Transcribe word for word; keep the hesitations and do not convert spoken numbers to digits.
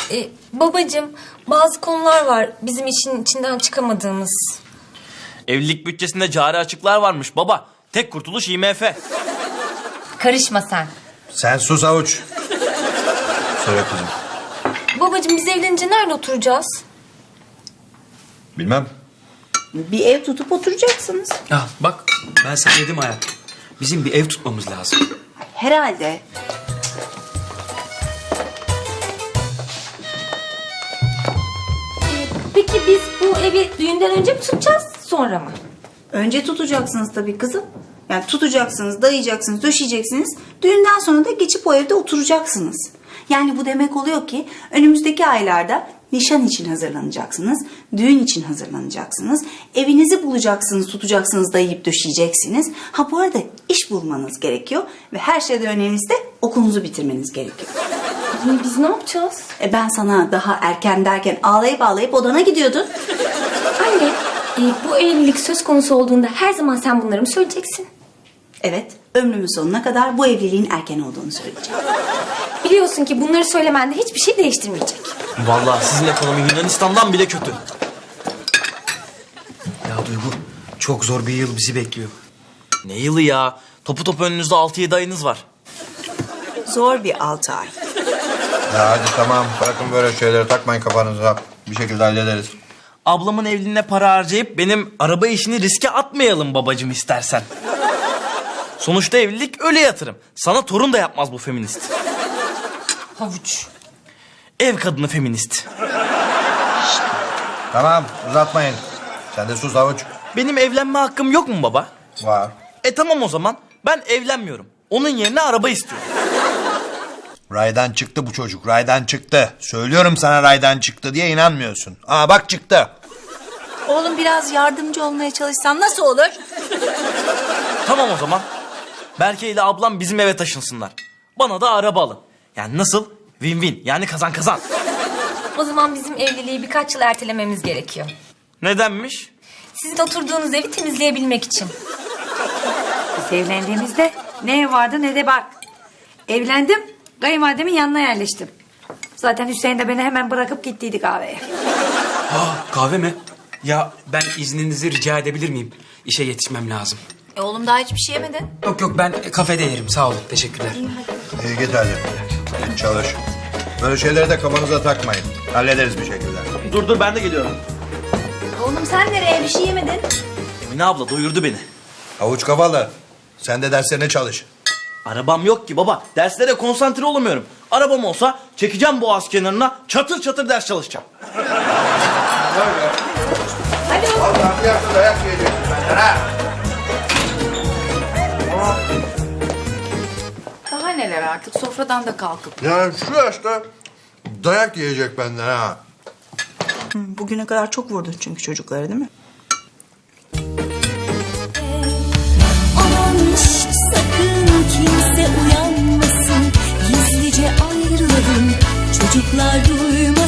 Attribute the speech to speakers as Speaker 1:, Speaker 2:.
Speaker 1: Ee, babacığım, bazı konular var bizim işin içinden çıkamadığımız.
Speaker 2: Evlilik bütçesinde cari açıklar varmış baba. Tek kurtuluş I M F.
Speaker 1: Karışma sen.
Speaker 3: Sen sus Avuç. Söyle kızım.
Speaker 1: Babacığım, biz evlenince nerede oturacağız?
Speaker 3: Bilmem.
Speaker 4: Bir ev tutup oturacaksınız.
Speaker 5: Ah bak ben sana dedim hayatım. Bizim bir ev tutmamız lazım.
Speaker 4: Herhalde.
Speaker 1: Peki biz bu evi düğünden önce mi tutacağız, sonra mı?
Speaker 4: Önce tutacaksınız tabii kızım. Yani tutacaksınız, dayayacaksınız, döşeyeceksiniz. Düğünden sonra da geçip o evde oturacaksınız. Yani bu demek oluyor ki önümüzdeki aylarda nişan için hazırlanacaksınız, düğün için hazırlanacaksınız, evinizi bulacaksınız, tutacaksınız, dayayıp döşeyeceksiniz. Ha bu arada iş bulmanız gerekiyor ve her şeyden önemlisi de okulunuzu bitirmeniz gerekiyor.
Speaker 1: Yani biz ne yapacağız?
Speaker 4: E ben sana daha erken derken ağlayıp ağlayıp odana gidiyordun.
Speaker 1: Anne, e, bu evlilik söz konusu olduğunda her zaman sen bunları mı söyleyeceksin?
Speaker 4: Evet, ömrümün sonuna kadar bu evliliğin erken olduğunu söyleyeceğim.
Speaker 1: Biliyorsun ki bunları söylemende hiçbir şey değiştirmeyecek.
Speaker 2: Vallahi sizin ekonomi Yunanistan'dan bile kötü.
Speaker 5: Ya Duygu çok zor bir yıl bizi bekliyor.
Speaker 2: Ne yılı ya? Topu topu önünüzde altı yedi ayınız var.
Speaker 4: Zor bir altı ay.
Speaker 3: Ya hadi tamam. Bırakın böyle şeyleri takmayın kafanıza. Bir şekilde hallederiz.
Speaker 2: Ablamın evliliğine para harcayıp benim araba işini riske atmayalım babacığım istersen. Sonuçta evlilik öyle yatırım. Sana torun da yapmaz bu feminist.
Speaker 1: Havuç.
Speaker 2: Ev kadını feminist.
Speaker 3: Tamam uzatmayın. Sen de sus Avuç.
Speaker 2: Benim evlenme hakkım yok mu baba?
Speaker 3: Var.
Speaker 2: E tamam o zaman. Ben evlenmiyorum. Onun yerine araba istiyorum.
Speaker 3: Raydan çıktı bu çocuk. Raydan çıktı. Söylüyorum sana raydan çıktı diye inanmıyorsun. Aa bak çıktı.
Speaker 4: Oğlum biraz yardımcı olmaya çalışsam nasıl olur?
Speaker 2: Tamam o zaman. Berke ile ablam bizim eve taşınsınlar. Bana da araba alın. Yani nasıl? Win-win. Yani kazan kazan.
Speaker 1: O zaman bizim evliliği birkaç yıl ertelememiz gerekiyor.
Speaker 2: Nedenmiş?
Speaker 1: Sizin oturduğunuz evi temizleyebilmek için.
Speaker 6: Biz evlendiğimizde ne ev vardı ne de bar. Evlendim, kayınvalidemin yanına yerleştim. Zaten Hüseyin de beni hemen bırakıp gittiydi kahveye.
Speaker 5: Aa kahve mi? Ya ben izninizi rica edebilir miyim? İşe yetişmem lazım.
Speaker 4: E oğlum daha hiçbir şey yemedin.
Speaker 5: Yok yok ben kafede yerim sağ olun teşekkürler.
Speaker 3: İyi git hadi. Git çalış. Böyle şeyleri de kafanıza takmayın. Hallederiz bir şekilde.
Speaker 2: Dur dur ben de geliyorum.
Speaker 4: Oğlum sen nereye bir şey yemedin?
Speaker 2: Emine abla doyurdu beni.
Speaker 3: Avuç kafalı. Sen de derslerine çalış.
Speaker 2: Arabam yok ki baba. Derslere konsantre olamıyorum. Arabam olsa çekeceğim boğaz kenarına çatır çatır ders çalışacağım.
Speaker 4: Hadi oğlum.
Speaker 3: Allah'ım bir hafta dayak yiyeceksin benden ha.
Speaker 6: Daha neler artık sofradan da kalkıp.
Speaker 3: Yani şu yaşta dayak yiyecek benden ha.
Speaker 4: Bugüne kadar çok vurdun çünkü çocukları değil mi?
Speaker 7: Aman şş, sakın kimse uyanmasın, gizlice ayrılalım, çocuklar duymasın.